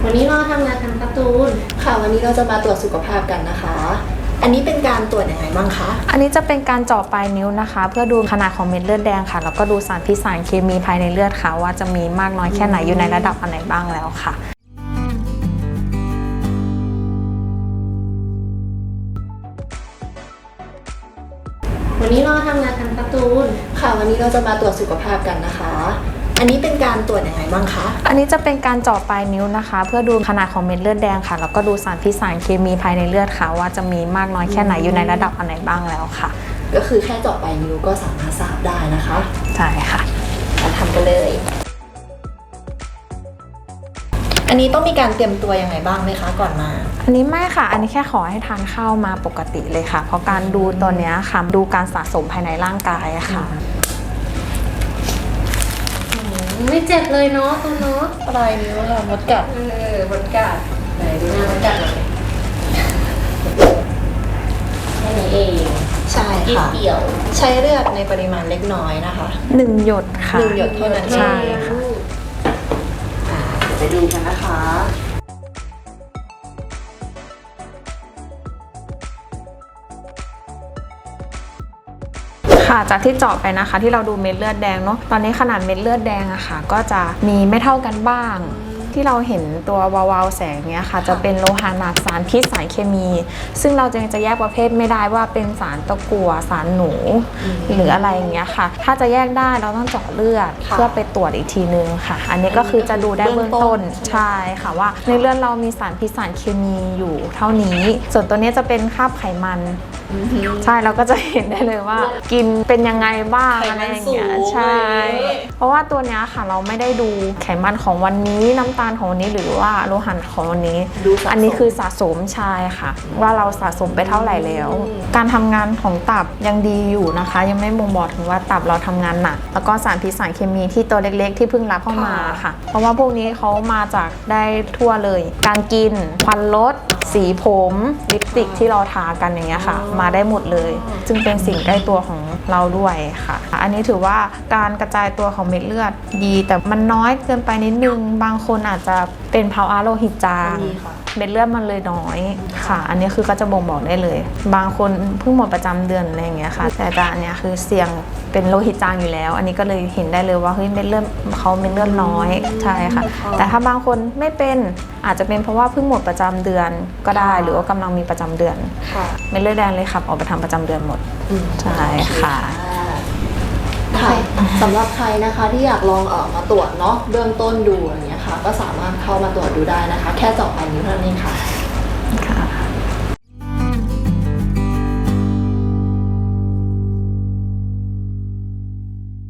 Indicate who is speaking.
Speaker 1: วันนี้เราทำงานทำการ์ตูน
Speaker 2: ค่ะวันนี้เราจะมาตรวจสุขภาพกันนะคะ อันนี้เป็นการตรวจยังไงบ้างคะ
Speaker 3: อันนี้จะเป็นการเจาะปลายนิ้วนะคะเพื่อดูขนาดของเม็ดเลือดแดงค่ะแล้วก็ดูสารพิษสารเคมีภายในเลือดค่ะว่าจะมีมากน้อยแค่ไหนอยู่ในระดับอันไหนบ้างแล้วค่ะ
Speaker 1: วันนี้เราทำงานทำการ์ตูน
Speaker 2: ค่ะวันนี้เราจะมาตรวจสุขภาพกันนะคะ อันนี้เป็นการตรวจยังไงบ้างคะ
Speaker 3: อันนี้จะเป็นการเจาะปลายนิ้วนะคะเพื่อดูขนาดของเม็ดเลือดแดงค่ะแล้วก็ดูสารพิษสารเคมีภายในเลือดค่ะว่าจะมีมากน้อยแค่ไหนอยู่ในระดับอันไหนบ้างแล้วค่ะ
Speaker 2: ก็คือแค่เจาะปลายนิ้วก็สามารถทราบได้นะคะ
Speaker 3: ใช่ค่ะ
Speaker 2: มาทำกันเลยอันนี้ต้องมีการเตรียมตัวยังไงบ้างไหมคะก่อนมา
Speaker 3: อันนี้ไม่ค่ะอันนี้แค่ขอให้ทานข้าวมาปกติเลยค่ะเพราะการดูตัวนี้ค่ะดูการสะสมภายในร่างกายค่ะ
Speaker 1: ไม่เจ็บเลยเนาะตัวเนาะ
Speaker 2: ปลายนิ้วค่ะมดกัด
Speaker 1: มดกัดไหนดูหน้ามดกัดหน่อยแค่นี้เอง
Speaker 2: ใช่ค่ะ
Speaker 1: เดี่ยว
Speaker 2: ใช้เลือดในปริมาณเล็กน้อยนะคะ
Speaker 3: 1 หยดค่ะ
Speaker 2: 1 หยดเท่านั้น
Speaker 3: ใช่ค่ะ
Speaker 2: ไปดูกันนะคะ
Speaker 3: ค่ะจากที่เจาะไปนะคะที่เราดูเม็ดเลือดแดงเนาะตอนนี้ขนาดเม็ดเลือดแดงอะค่ะก็จะมีไม่เท่ากันบ้างที่เราเห็นตัววาวๆแสงเนี้ยค่ะจะเป็นโลหะหนักสารพิษสารเคมี ซึ่งเราจะแยกประเภทไม่ได้ว่าเป็นสารตะกั่วสารหนูหรืออะไรอย่างเงี้ยค่ะถ้าจะแยกได้เราต้องเจาะเลือดเพื่อไปตรวจอีกทีนึงค่ะอันนี้ก็คือจะดูได้เบื้องต้นใช่ค่ะว่าในเลือดเรามีสารพิษสารเคมีอยู่เท่านี้ส่วนตัวนี้จะเป็นคราบไขมันใช่เราก็จะเห็นได้เลยว่ากินเป็นยังไงบ้างอะไรอย่างเงี้ยใช่เพราะว่าตัวเนี้ยค่ะเราไม่ได้ดูไขมันของวันนี้น้ำตาลของวันนี้หรือว่าโลหะของวันนี้อันนี้คือสะสมใช่ค่ะว่าเราสะสมไปเท่าไหร่แล้วการทำงานของตับยังดีอยู่นะคะยังไม่บ่งบอกถึงว่าตับเราทำงานหนักแล้วก็สารพิษสารเคมีที่ตัวเล็กๆที่เพิ่งรับเข้ามาค่ะเพราะว่าพวกนี้เขามาจากได้ทั่วเลยการกินควันรถสีผมลิปสติกที่เราทากันอย่างเงี้ยค่ะมาได้หมดเลยจึงเป็นสิ่งใกล้ตัวของเราด้วยค่ะอันนี้ถือว่าการกระจายตัวของเม็ดเลือดดีแต่มันน้อยเกินไปนิดนึงบางคนอาจจะเป็นภาวะโลหิตจางเม็ดเลือดมันเลยน้อยค่ะอันนี้คือก็จะบ่งบอกได้เลยบางคนเพิ่งหมดประจำเดือนอะไรอย่างเงี้ยค่ะแต่อันเนี้ยคือเสี่ยงเป็นโลหิตจางอยู่แล้วอันนี้ก็เลยเห็นได้เลยว่าเฮ้ยเม็ดเลือดเขาเม็ดเลือดน้อยใช่ค่ะแต่ถ้าบางคนไม่เป็นอาจจะเป็นเพราะว่าเพิ่งหมดประจำเดือนก็ได้หรือว่ากำลังมีประจำเดือนเม็ดเลือดแดงเลยขับออกไปทำประจำเดือนหมดใช่ค่ะ
Speaker 2: สำหรับใครนะคะที่อยากลองมาตรวจเนาะเบื้องต้นดูอย่างเงี้ยค่ะก็สามารถเข้ามาตรวจดูได้นะคะแค่เจาะปลายนิ้วเท่านั้นเองค่ะ